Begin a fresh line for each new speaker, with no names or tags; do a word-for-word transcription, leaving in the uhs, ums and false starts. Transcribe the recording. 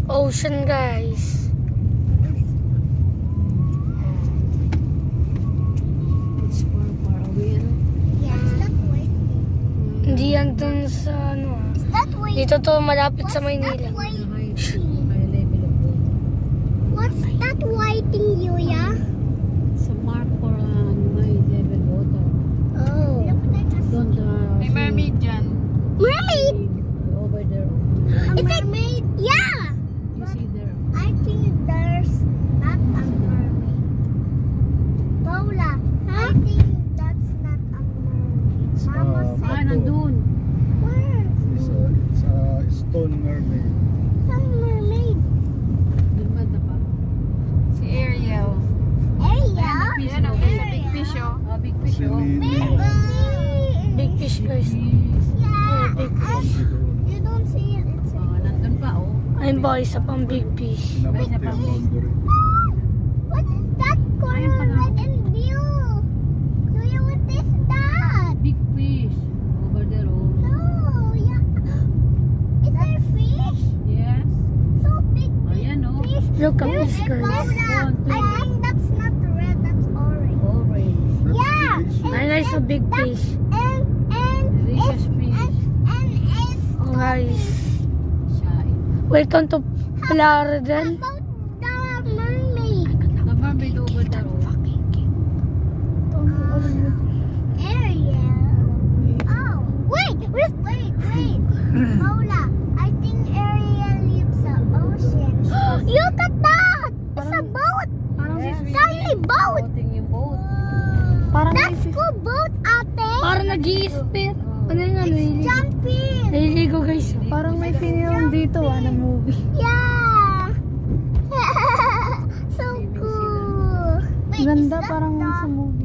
Ocean, guys.
It's far, far away, ano?
Yeah. Is that waiting?
Hindi yan dun sa ano ah.
Is that waiting?
Dito to malapit sa
What's
Maynila.
that
The high,
waiting?
high level of water.
What's that waiting, Yuya?
It's a mark for um, high level water.
Oh.
Don't uh,
May mermaid dyan.
Mermaid?
over there.
A mermaid? Yeah.
You see there.
I think there's not a mermaid. Paula, I think that's not a mermaid.
It's,
Mama
uh,
said.
Ah, nandun.
Where?
It's a, it's a stone mermaid.
Some mermaid.
Dun ba pa?
Si Ariel.
Ariel?
Yan o, sa big fish o.
Ah, big fish,
Si
oh.
Lily.
Big fish, guys.
Yeah.
big
I- you don't see it. It's
Ah, nandun pa, oh.
Ayun ba, isa pang big fish.
Pinabati yung boundary.
What is that color?
Ayun pala.
Red and blue. Kuya, what is that?
Big fish. Over there, oh.
No, yeah. Is there fish?
Yes.
So big
Ayan, oh.
fish.
Look at
Red
this,
and
guys.
Paula,
One, two.
I think that's not red, that's orange.
Orange.
That's
Yeah.
the fish.
Ayun guys, a big
That's-
fish.
And, and,
Delicious
and,
fish.
and, and it's
Oh, guys.
Siya.
Welcome to
How
Plaridel.
about the mermaid?
The mermaid over there, oh.
Ariel. Oh, wait, wait, wait, wait. Paula, I think Ariel leaves the ocean. Look at that! It's a boat!
Yes.
Tiny boat!
Floating yung boat.
Parang
That's cool boat, ate!
Parang nag-i-spit. Ano yung ano?
It's jumping!
Naliligo, guys.
Parang may film dito, ah, na movie.
Yeah! So cool! Wait,
Ganda,
is that
parang
the,
sa movie.